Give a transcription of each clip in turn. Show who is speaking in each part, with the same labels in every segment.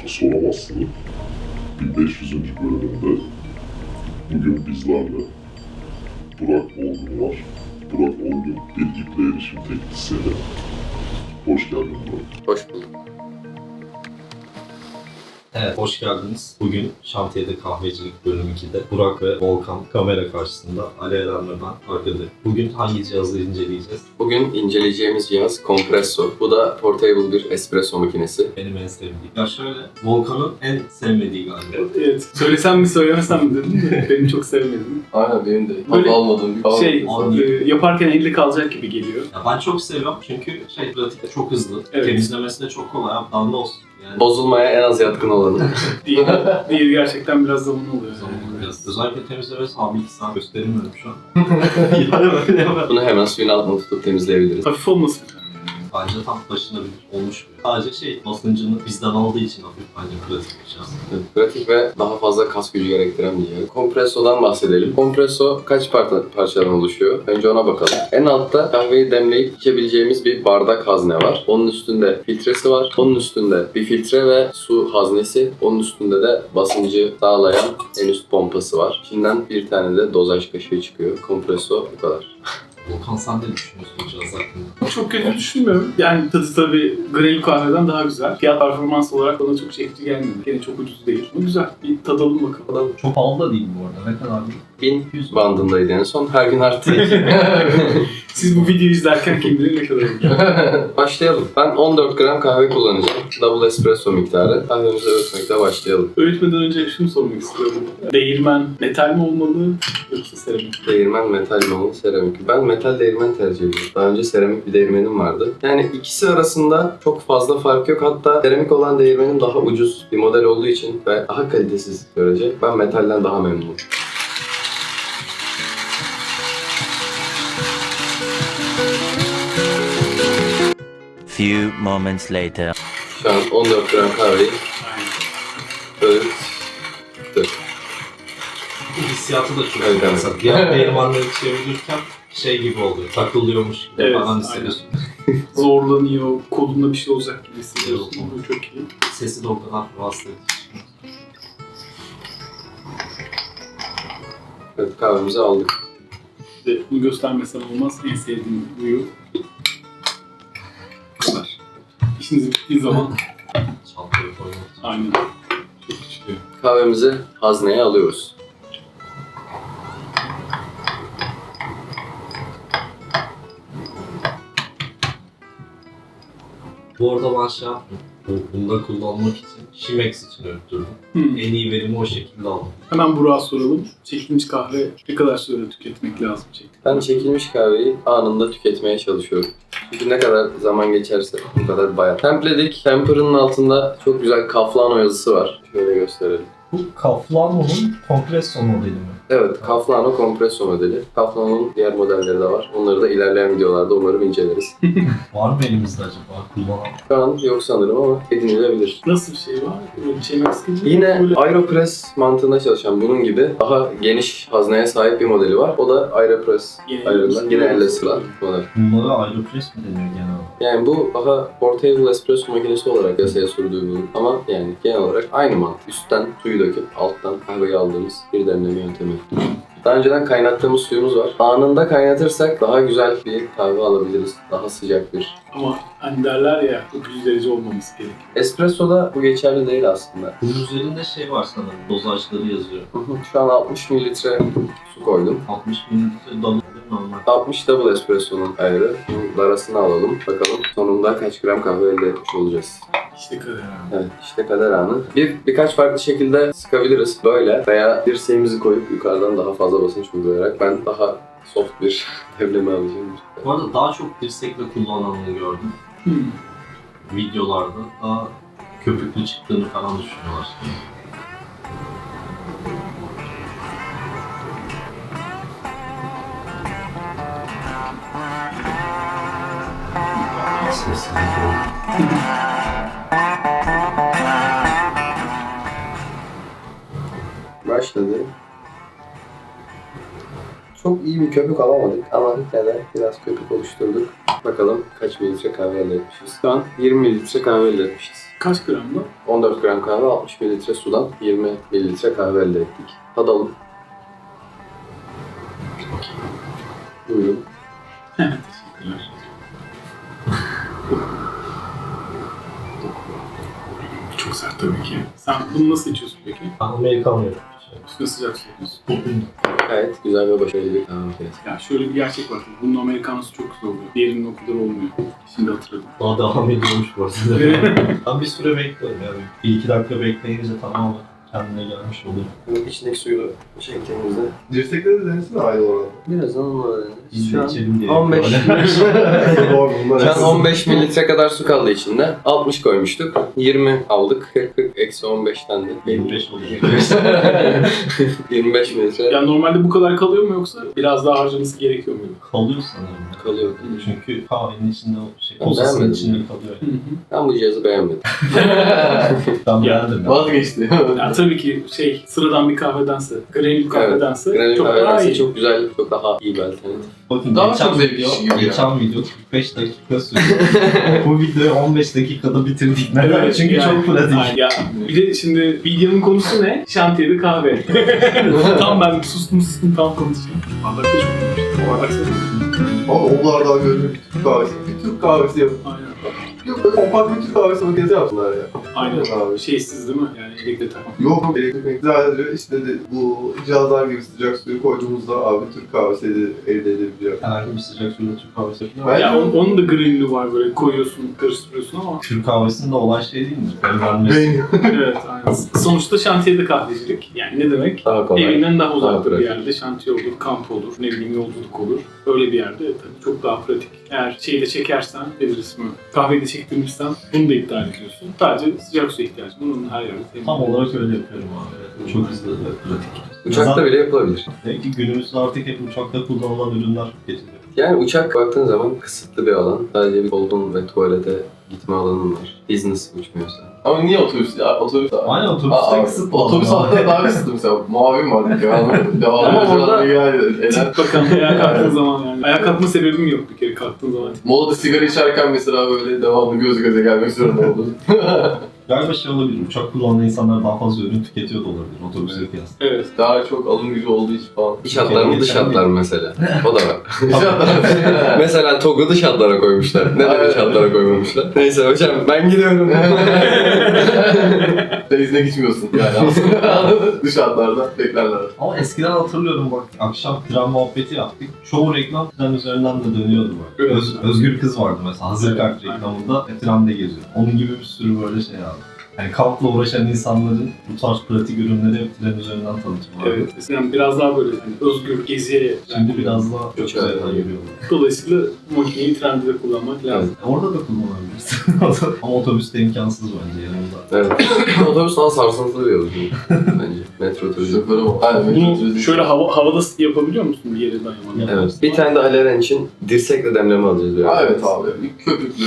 Speaker 1: Soramazsın 1500. bölümünde bugün bizlerle Burak Olgun var. Burak Olgun bir iple erişim teknisyeni. Hoş geldin Burak.
Speaker 2: Hoş bulduk.
Speaker 3: Evet, hoş geldiniz. Bugün Şantiyede Kahvecilik bölüm 2'de Burak ve Volkan kamera karşısında, Ali Eren ve ben arkada. Bugün hangi cihazı inceleyeceğiz?
Speaker 2: Bugün inceleyeceğimiz cihaz Compresso. Bu da portable bir espresso makinesi.
Speaker 3: Benim en sevdiğim. Ya şöyle, Volkan'ın en sevmediği galiba.
Speaker 4: Evet. Söylesem mi söylemesem mi dedim de benim çok sevmedim.
Speaker 2: Aynen benim de.
Speaker 4: Böyle
Speaker 2: almadığım bir kahve
Speaker 4: Şey,
Speaker 2: makinesi.
Speaker 4: yaparken elde kalacak gibi geliyor.
Speaker 3: Ya ben çok seviyorum çünkü pratikte çok hızlı,
Speaker 4: Evet.
Speaker 3: temizlemesi de çok kolay. Daha ne olsun yani.
Speaker 2: Bozulmaya en az yatkın olanı.
Speaker 4: Diğeri gerçekten biraz zaman oluyor.
Speaker 3: Zaman biraz. Özellikle temizlemesi abi 2 saat gösteremiyorum şu an. Yani böyle hemen.
Speaker 2: Bunu hemen suyun altına tutup temizleyebiliriz.
Speaker 4: Hafif olmasın.
Speaker 3: Bence tam taşınabilir olmuş mu? Sadece basıncını bizden aldığı için hafif bence pratik bir cihaz.
Speaker 2: Evet, pratik ve daha fazla kas gücü gerektiren bir cihaz. Compresso'dan bahsedelim. Compresso kaç parçadan oluşuyor? Önce ona bakalım. En altta kahveyi demleyip içebileceğimiz bir bardak hazne var. Onun üstünde filtresi var. Onun üstünde bir filtre ve su haznesi. Onun üstünde de basıncı sağlayan en üst pompası var. İçinden bir tane de dozaj kaşığı çıkıyor. Compresso bu kadar.
Speaker 3: Volkan sen ne düşünüyorsun bu cihaz hakkında?
Speaker 4: Çok kötü düşünmüyorum. Yani tadı tabii Granül kahveden daha güzel. Fiyat performans olarak bana çok çekici gelmedi. Gene çok ucuz değil. Bu güzel. Bir tadalım bakalım.
Speaker 3: Çok pahalı da değil bu arada. Ne kadar değil?
Speaker 2: 1100 bandındaydı en son. Her gün arttı.
Speaker 4: Siz bu videoyu izlerken kim bilir ne kadar olur.
Speaker 2: Başlayalım. Ben 14 gram kahve kullanacağım. Double espresso miktarı. Kahvemizi öğütmekle başlayalım.
Speaker 4: Öğütmeden önce şunu sormak istiyorum. Değirmen metal mi olmalı yoksa seramik?
Speaker 2: Değirmen metal mi olur, seramik? Ben metal değirmen tercih ediyorum. Daha önce seramik bir değirmenim vardı. Yani ikisi arasında çok fazla fark yok. Hatta seramik olan değirmenim daha ucuz bir model olduğu için ve daha kalitesiz görecek. Ben metalden daha memnunum.
Speaker 5: Few moments later.
Speaker 2: Şu an 14 gram kahveyi öğüttük.
Speaker 3: Hissiyatı da çok
Speaker 2: Evet,
Speaker 3: iyi.
Speaker 2: evet.
Speaker 3: Mesela diğer değirmenleri çevirirken gibi oluyor. Takılıyormuş gibi
Speaker 4: Evet,
Speaker 3: falan
Speaker 4: aynen.
Speaker 3: hissediyorsun.
Speaker 4: Zorlanıyor, kolunda bir şey olacak gibi hissediyorsun.
Speaker 3: Evet.
Speaker 4: Bu çok iyi.
Speaker 3: Sesi de o kadar rahatsız edici.
Speaker 2: Evet, kahvemizi aldık.
Speaker 4: Bir de bunu göstermesem olmaz. En sevdiğim huyu. Bu kadar. İşiniz bittiği zaman
Speaker 3: Çantayı koymak için.
Speaker 4: aynen. Çok güçlü.
Speaker 2: Kahvemizi hazneye alıyoruz.
Speaker 3: Bu arada ben yaptım. Bunda kullanmak için Chemex için öttürdüm. En iyi verimi o şekilde aldım.
Speaker 4: Hemen Burak'a soralım. Çekilmiş kahve ne kadar sürede tüketmek lazım çektik?
Speaker 2: Ben çekilmiş kahveyi anında tüketmeye çalışıyorum. Çünkü ne kadar zaman geçerse o kadar bayat. Templedik. Temper'ın altında çok güzel Kaflano yazısı var. Şöyle gösterelim.
Speaker 3: Bu Kaflano'nun kompresyon modeli mi?
Speaker 2: Evet, Kaflano kompresso modeli. Kaflano'nun diğer modelleri de var. Onları da ilerleyen videolarda umarım inceleriz.
Speaker 3: Var mı elimizde acaba kullanan?
Speaker 2: Şu an yok sanırım ama edinilebilir.
Speaker 4: Nasıl bir şey var? Böyle bir şey mesela.
Speaker 2: Yine
Speaker 4: Böyle...
Speaker 2: Aeropress mantığında çalışan bunun gibi daha geniş hazneye sahip bir modeli var. O da Aeropress. Yine elle sıra model.
Speaker 3: Bunlara Aeropress mi deniyor genel olarak?
Speaker 2: Yani bu daha portable espresso makinesi olarak piyasaya sürdüğü bu. Ama yani genel olarak aynı mantık. Üstten suyu döküp alttan kahveyi aldığımız bir demleme yöntemi. Daha önceden kaynattığımız suyumuz var. Anında kaynatırsak daha güzel bir kahve alabiliriz. Daha sıcak bir.
Speaker 4: Ama hani derler ya 900 derece olmaması gerekiyor.
Speaker 2: Espresso'da bu geçerli değil aslında.
Speaker 3: Bunun üzerinde var sanırım. Dozajları yazıyor.
Speaker 2: Şu an 60 mililitre su koydum.
Speaker 3: 60 mililitre damla normal.
Speaker 2: 60 double espresso'nun ayrı. Bunun arasını alalım. Bakalım sonunda kaç gram kahve elde etmiş olacağız.
Speaker 4: İşte kadar.
Speaker 2: Evet, işte kader anı. Birkaç farklı şekilde sıkabiliriz. Böyle veya dirseğimizi koyup yukarıdan daha fazla basınç uygulayarak. Ben daha soft bir demleme alacağım.
Speaker 3: Bu arada daha çok dirsekle kullanıldığını gördüm. Videolarda daha köpüklü çıktığını falan düşünüyorlar.
Speaker 2: Başladı. Çok iyi bir köpük alamadık ama yine de biraz köpük oluşturduk. Bakalım kaç mililitre kahve elde etmişiz. Şu an 20 mililitre kahve elde etmişiz.
Speaker 4: Kaç gramda?
Speaker 2: 14 gram kahve, 60 mililitre sudan 20 mililitre kahve elde ettik. Tadalım. Buyurun.
Speaker 4: Teşekkürler. Çok sert tabii ki. Sen bunu nasıl içiyorsun peki?
Speaker 3: Ben Amerikan yiyorum.
Speaker 4: Üstüne sıcak su yapıyorsun.
Speaker 2: Gayet güzel ve başarılı bir kahve makinesi.
Speaker 4: Ya şöyle bir gerçek var. Bunun Amerikanosu çok güzel oluyor. Diğerinin o kadar olmuyor. Şimdi hatırladım.
Speaker 3: Daha devam ediyormuş bu arada. Ben bir süre bekliyorum yani. 1-2 dakika bekleyince tamamen kendine gelmiş oluyor.
Speaker 2: İçindeki suyu çektiğimizde
Speaker 6: Dirsekleri de denesene aynı oranda.
Speaker 2: birazdan onunla öğreniriz.
Speaker 3: Biz
Speaker 2: Şu
Speaker 3: de
Speaker 2: an
Speaker 3: içelim diye.
Speaker 2: 15
Speaker 6: Doğru, bunlar
Speaker 2: Şu an 15 mililitre kadar su kaldı içinde. 60 koymuştuk. 20 aldık. 40 eksi 15'ten de
Speaker 3: 25 oluyor.
Speaker 2: 25 mililitre
Speaker 4: Ya normalde bu kadar kalıyor mu yoksa biraz daha harcaması gerekiyor mu?
Speaker 3: Kalıyor sanırım.
Speaker 2: kalıyor.
Speaker 3: Çünkü kahvenin içinde o şey,
Speaker 2: Ben
Speaker 3: posasının
Speaker 2: beğenmedim
Speaker 3: içinde
Speaker 2: ya.
Speaker 3: kalıyor.
Speaker 4: Hı hı.
Speaker 2: Ben bu cihazı beğenmedim.
Speaker 3: Ben
Speaker 4: Ya,
Speaker 3: beğendim. ya.
Speaker 6: Vazgeçti.
Speaker 4: Ya tabii ki sıradan bir kahvedense, granül kahvedense
Speaker 2: Granül
Speaker 4: çok daha
Speaker 2: kahverense
Speaker 4: iyi.
Speaker 2: çok güzel, çok daha iyi bir alternatif.
Speaker 3: Bakın
Speaker 6: Daha
Speaker 3: geçen
Speaker 6: çok zevkli
Speaker 3: video,
Speaker 6: iş gibi ya.
Speaker 3: geçen video 45 dakika sürdü. Bu videoyu 15 dakikada bitirdik. Neden?
Speaker 4: Evet,
Speaker 3: Çünkü
Speaker 4: yani-
Speaker 3: çok pratik.
Speaker 4: Ay ya bir de şimdi videonun konusu ne? Şantiyede kahve. Tam ben sustum tam konuşayım. Bardakta çok iyiymiş. O bardak sen-
Speaker 6: Ama o bardağı görünür bir Türk kahvesi. Bir Türk kahvesi yapın.
Speaker 4: Aynen.
Speaker 6: Yok böyle kompakt bir Türk kahvesi makinesi yapsınlar ya.
Speaker 4: Aynen.
Speaker 6: Abi.
Speaker 4: Şeysiz değil mi? Yani elektrikli takma.
Speaker 6: Yok elektrik sadece işte de bu cihazlar gibi sıcak suyu koyduğumuzda abi Türk kahvesi elde edebiliyor.
Speaker 3: Herhangi bir sıcak suyla Türk kahvesi yapıyor.
Speaker 6: Ben-
Speaker 4: Ya onun da granülü var böyle koyuyorsun, karıştırıyorsun ama
Speaker 3: Türk kahvesinde olay şey değil mi? Öğrenmesi.
Speaker 6: Ben
Speaker 4: evet aynen. Sonuçta şantiyede kahvecilik. Yani ne demek?
Speaker 2: Daha kolay.
Speaker 4: Evinden daha uzak
Speaker 2: Daha
Speaker 4: bir
Speaker 2: pratik.
Speaker 4: yerde şantiye olur, kamp olur, ne bileyim yolculuk olur. Öyle bir yerde tabii çok daha pratik. Eğer şeyi de çekersen, nedir ismi? Kahveyi de çektirmişsen bunu da iptal ediyorsun. Sadece sıcak suya ihtiyacın var. Onun her yerde temin.
Speaker 3: Tam olarak öyle yapıyorum abi. Çok hızlı ve pratik.
Speaker 2: Uçakta bile yapılabilir.
Speaker 3: Belki günümüzde artık hep uçakta kullanılan ürünler getiriyor.
Speaker 2: Yani uçak baktığın zaman kısıtlı bir alan. Sadece bir koltuğun ve tuvalete gitme alanın var. Business uçmuyorsa.
Speaker 6: Ama niye otobüs ya? Otobüs
Speaker 3: Aynen otobüste kısıtlı.
Speaker 6: Otobüs
Speaker 3: olan.
Speaker 6: hatta daha kısıtlı mesela. Mavi var ya.
Speaker 4: Ama
Speaker 6: Devamlı
Speaker 4: orada-
Speaker 6: eder.
Speaker 4: Bakalım ayağa kalktığın zaman yani. Ayağa kalkma sebebim yok bir kere kalktığın zaman.
Speaker 6: Molada sigara içerken mesela böyle devamlı göz göze gelmek zorunda oldum.
Speaker 3: Galiba şey olabilir, uçak kullanan insanlar daha fazla ürün tüketiyor da olabilir otobüse kıyasla.
Speaker 4: Evet.
Speaker 6: Daha çok alım gücü olduğu için falan.
Speaker 2: İç hatlar mı dış hatlar mı mesela? O da var.
Speaker 6: İnşallah.
Speaker 2: Mesela TOG'u dış hatlara koymuşlar. Neden iç hatlara koymamışlar? Neyse hocam ben gidiyorum.
Speaker 6: Denizine gitmiyorsun yani aslında. Dış hatlarda beklerler.
Speaker 3: Ama eskiden hatırlıyorum bak, akşam tren muhabbeti yaptık. Çoğu reklam tren üzerinden de dönüyordu bak.
Speaker 4: Evet.
Speaker 3: Özgür Kız vardı mesela, hazır
Speaker 4: Evet,
Speaker 3: kart reklamında trende geziyor. Onun gibi bir sürü böyle şey abi. Yani kampla uğraşan insanların bu tarz pratik ürünleri hep tren üzerinden tanıtım var.
Speaker 4: Evet. Eskiden biraz daha böyle hani özgür geziye.
Speaker 3: Şimdi biraz daha çok
Speaker 2: Uçağa
Speaker 3: üzerinden
Speaker 2: geliyor.
Speaker 3: yürüyorlar.
Speaker 4: Dolayısıyla makineyi trende de kullanmak lazım.
Speaker 3: Orada da kullanabilirsin. Ama otobüste imkansız bence yanında.
Speaker 2: Evet. Otobüs daha sarsıntılı bir yolculuk bence. Metro turizm.
Speaker 6: Şoförü var. Aynen.
Speaker 4: Bunu şöyle havada yapabiliyor musun bir yere dayanmadan?
Speaker 2: Evet. Bir tane de Aleren için dirsekle demleme alacağız. diyor.
Speaker 6: Ha, evet abi. Bir köpüklü.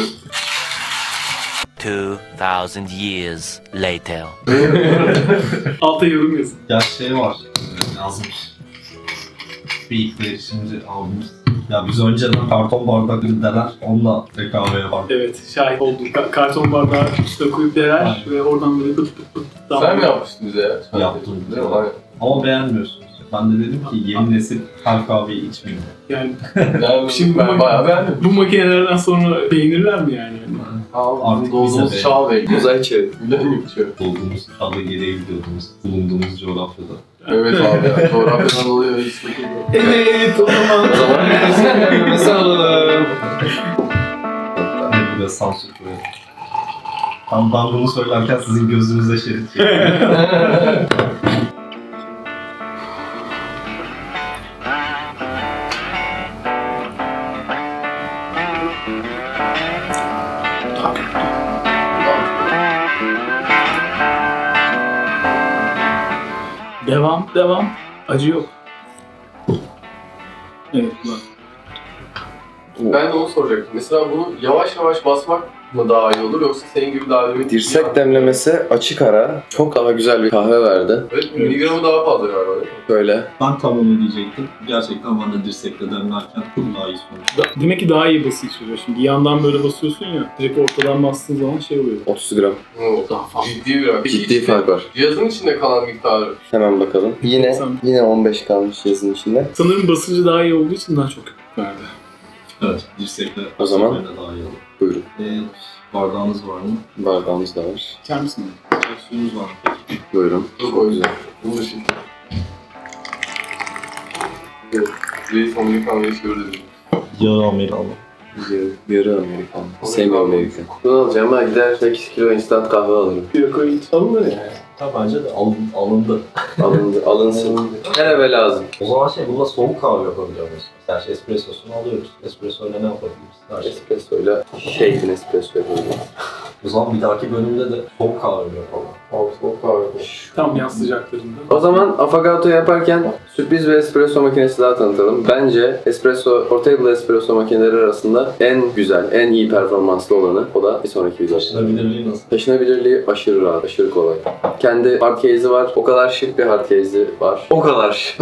Speaker 5: 2,000 years later.
Speaker 4: Alta yorum yazın.
Speaker 3: Ya şey var, yazmış. Bir ilk erişimci abimiz. Ya biz önceden karton bardaklı deler, onunla kahve yapardık.
Speaker 4: Evet, şahit oldum. Karton bardağı üstüne koyup derer ve oradan böyle pıt pıt pıt.
Speaker 6: Sen mi yapmıştın bize ya?
Speaker 3: Yaptım.
Speaker 6: Değil mi? Aynen.
Speaker 3: Ama beğenmiyorsunuz. Ben de dedim ki yeni nesil her kahveyi içmeyin.
Speaker 4: Yani
Speaker 6: Yani
Speaker 4: Şimdi
Speaker 6: ben
Speaker 4: bu-
Speaker 6: bayağı beğendim.
Speaker 4: bu makinelerden sonra beğenirler mi yani?
Speaker 6: Abi
Speaker 3: Artık
Speaker 6: doğduğumuz
Speaker 3: bize
Speaker 6: çağ değil.
Speaker 2: Uzay çağı.
Speaker 6: Bilen geçiyor.
Speaker 3: Olduğumuz çağda geriye gidiyordunuz. Bulunduğumuz coğrafyada.
Speaker 6: Evet abi ya. Coğrafyadan dolayı hiç sıkıntı yok.
Speaker 4: Evet, o zaman.
Speaker 2: O zaman biz alalım.
Speaker 3: Ne bu da sansür koyalım. Tam ben bunu söylerken sizin gözünüze şerit çekiyor.
Speaker 4: Devam. Acı yok. Evet, bak.
Speaker 6: Ben de onu soracaktım. Mesela bunu yavaş yavaş basmak
Speaker 2: mı daha iyi olur yoksa senin gibi daha demlik dirsek demlemesi açık ara çok daha güzel bir kahve verdi. Evet, miligramı daha fazla galiba. Böyle.
Speaker 3: Ben tam onu diyecektim. Gerçekten ben de dirsekle demlerken çok daha iyi sonuç.
Speaker 4: Demek ki daha iyi bası içiriyor. Şimdi yandan böyle basıyorsun ya, direkt ortadan bastığın zaman şey oluyor.
Speaker 2: 30 gram.
Speaker 4: Daha fazla.
Speaker 2: Ciddi bir rakam. Ciddi fark var.
Speaker 7: Cihazın içinde kalan miktarı.
Speaker 2: Hemen bakalım. Yine 15 kalmış yazın içinde.
Speaker 4: Sanırım basıncı daha iyi olduğu için daha çok verdi.
Speaker 3: Evet, dirsekle
Speaker 2: O zaman-
Speaker 3: dirsekle daha iyi olur.
Speaker 2: Buyurun.
Speaker 3: Bardağınız var mı?
Speaker 2: Bardağımız da var.
Speaker 4: İçer misin?
Speaker 3: Suyunuz var mı peki?
Speaker 2: Buyurun.
Speaker 7: Çok o yüzden. Bunu da şimdi. Evet. Reis Amerikan Reis gördüm.
Speaker 3: Yarı Amerikanlı.
Speaker 2: Yarı Amerikan. Sevmiyorum Amerikan. Bunu alacağım ama gider 8 kilo instant kahve alırım.
Speaker 4: Bir koyu iç. Alınır yani.
Speaker 3: Ha, bence de alındı.
Speaker 2: Alınsın. Her eve lazım.
Speaker 3: O zaman bununla soğuk kahve yapabiliyor muyuz? Mesela espressosunu alıyoruz. Espresso ile ne yapabiliriz? Her şey.
Speaker 2: Espressoyla shaken espresso yapabiliriz.
Speaker 3: O zaman bir dahaki bölümde de soğuk kahve mi yapalım?
Speaker 7: Soğuk kahve.
Speaker 4: Tam yaz sıcaklarında.
Speaker 2: O zaman affogato yaparken sürpriz bir espresso makinesi daha tanıtalım. Bence portable espresso makineleri arasında en güzel, en iyi performanslı olanı. O da bir sonraki video.
Speaker 3: Taşınabilirliği nasıl?
Speaker 2: Taşınabilirliği aşırı rahat, aşırı kolay. Kendi hard case'i var. O kadar şık bir hard case'i var. O kadar şık.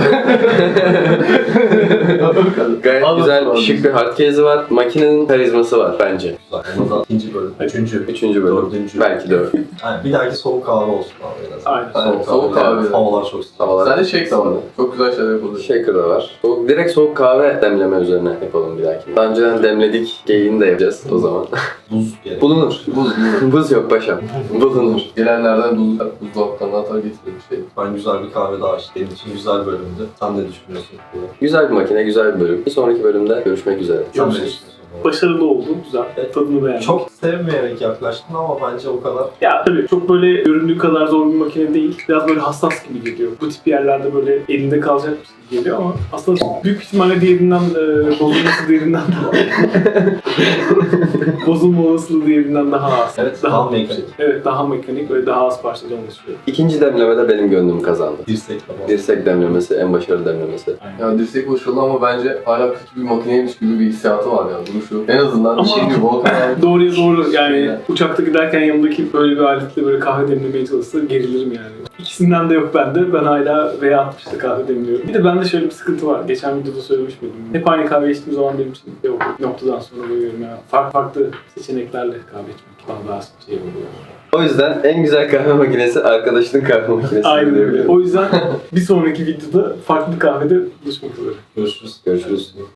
Speaker 2: Gayet güzel, şık bir hard case'i var. Makinenin karizması var bence.
Speaker 3: Güzel. Onu da ikinci bölüm.
Speaker 2: Üçüncü bölüm.
Speaker 3: Dördüncü.
Speaker 2: Belki dört.
Speaker 3: Yani bir dahaki soğuk kahve olsun abi en azından.
Speaker 4: Aynen.
Speaker 7: Soğuk kahve.
Speaker 3: Havalar çok sıcak.
Speaker 2: Havalar.
Speaker 7: Sen de shake zamanı. Çok güzel şeyler yapılır.
Speaker 2: Shaker da var. Direkt soğuk kahve demleme üzerine yapalım bir dahaki. Daha önceden demledik, geyiğini de yapacağız o zaman.
Speaker 3: Buz gerek.
Speaker 2: Bulunur. Buz yok paşam. Bulunur.
Speaker 7: Gelenlerden buzdolaptan atar getirir bir şey.
Speaker 3: Ben güzel bir kahve daha içtim. Benim için güzel bölümdü. Sen ne düşünüyorsun?
Speaker 2: Güzel bir makine, güzel bir bölüm. Bir sonraki bölümde görüşmek üzere.
Speaker 3: Sen ne
Speaker 4: Görüşürüz.
Speaker 3: düşünüyorsun?
Speaker 4: Başarılı oldu. Güzel. Tadını beğendim.
Speaker 3: Çok sevmeyerek yaklaştın ama bence o kadar.
Speaker 4: Ya tabii çok böyle göründüğü kadar zor bir makine değil. Biraz böyle hassas gibi geliyor. Bu tip yerlerde böyle elinde kalacakmış gibi geliyor ama aslında büyük ihtimalle diğerinden bozulması diğerinden bozulma olasılığı diğerinden daha az.
Speaker 3: Evet, daha mekanik.
Speaker 4: Evet, daha mekanik ve daha az parçadan oluşuyor.
Speaker 2: İkinci demlemede benim gönlüm kazandı.
Speaker 3: Dirsek tamam.
Speaker 2: Dirsek demlemesi en başarılı demlemesi.
Speaker 7: Yani dirsek başarılı ama bence hala kötü bir makineymiş gibi bir hissiyatı var yani duruşu. En azından
Speaker 4: Ama-
Speaker 7: şey gibi Volkan abi.
Speaker 4: Doğruya doğru yani uçakta giderken yanımdaki böyle bir aletle böyle kahve demlemeye çalışsa gerilirim yani. İkisinden de yok bende. Ben hala V60'da kahve demliyorum. Bir de bende şöyle bir sıkıntı var. Geçen videoda söylemiş miydim? Hep aynı kahve içtiğim zaman benim için yok. Bir noktadan sonra böyle yani farklı seçeneklerle kahve içmek bana daha şey oluyor.
Speaker 2: O yüzden en güzel kahve makinesi arkadaşının kahve makinesi.
Speaker 4: Aynen öyle.
Speaker 2: diyebilirim.
Speaker 4: O yüzden bir sonraki videoda farklı bir kahvede buluşmak üzere.
Speaker 3: Görüşürüz.
Speaker 2: Görüşürüz.